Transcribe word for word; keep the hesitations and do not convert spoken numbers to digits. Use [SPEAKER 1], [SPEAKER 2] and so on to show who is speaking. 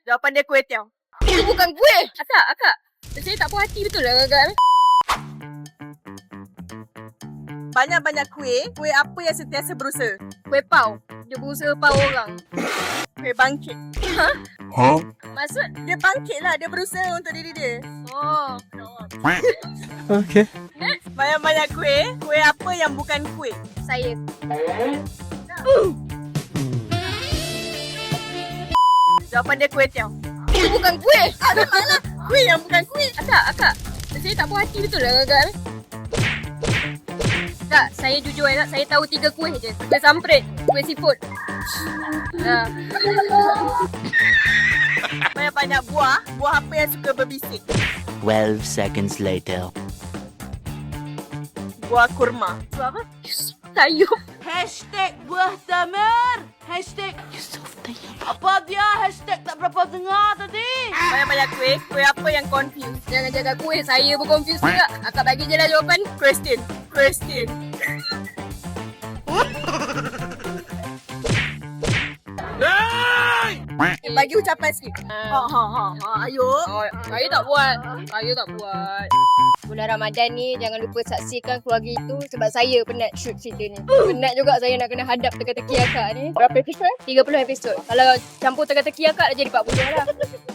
[SPEAKER 1] Jawapan dia kuih tiaw.
[SPEAKER 2] Itu bukan kuih. Akak, akak. Saya tak puas hati betul lah akak ni.
[SPEAKER 1] Banyak-banyak kuih. Kuih apa yang sentiasa berusaha?
[SPEAKER 2] Kuih pau. Dia berusaha pau orang.
[SPEAKER 1] Kuih bangkit.
[SPEAKER 3] Huh?
[SPEAKER 2] Maksud?
[SPEAKER 1] Dia bangkit lah. Dia berusaha untuk diri dia.
[SPEAKER 2] Oh.
[SPEAKER 3] Okay.
[SPEAKER 1] Banyak-banyak kuih. Kuih apa yang bukan kuih?
[SPEAKER 2] Saya.
[SPEAKER 1] Jawapan dia kuih tiaw.
[SPEAKER 2] Itu bukan kuih.
[SPEAKER 1] Ada mana? Kuih yang bukan kuih.
[SPEAKER 2] Akak, akak. Saya tak puas hati betul lah akak ni. Kak, saya jujur ya, saya tahu tiga kuih je. Kuih samprit, kuih seafood. Ha.
[SPEAKER 1] Banyak-banyak buah. Buah apa yang suka berbisik?
[SPEAKER 4] twelve seconds later.
[SPEAKER 1] Buah kurma.
[SPEAKER 2] Buat apa? Sayur.
[SPEAKER 5] Hashtag buah tamar. Hashtag apa dia? Hashtag tak berapa dengar tadi.
[SPEAKER 1] Banyak-banyak kuih. Kuih apa yang confused?
[SPEAKER 2] Jangan jaga kuih, saya pun confused juga. Akak bagi je lah jawapan.
[SPEAKER 1] Question. Question. Bagi ucapan sikit. Ha ha ha. ha. Ayo.
[SPEAKER 2] Oh, saya tak buat. Saya tak buat. Bulan Ramadan ni jangan lupa saksikan keluarga itu sebab saya penat shoot cerita ni. Penat juga saya nak kena hadap teka-teki akak ni. Berapa episod? tiga puluh episod. Kalau campur teka-teki akak dah jadi empat puluh lah.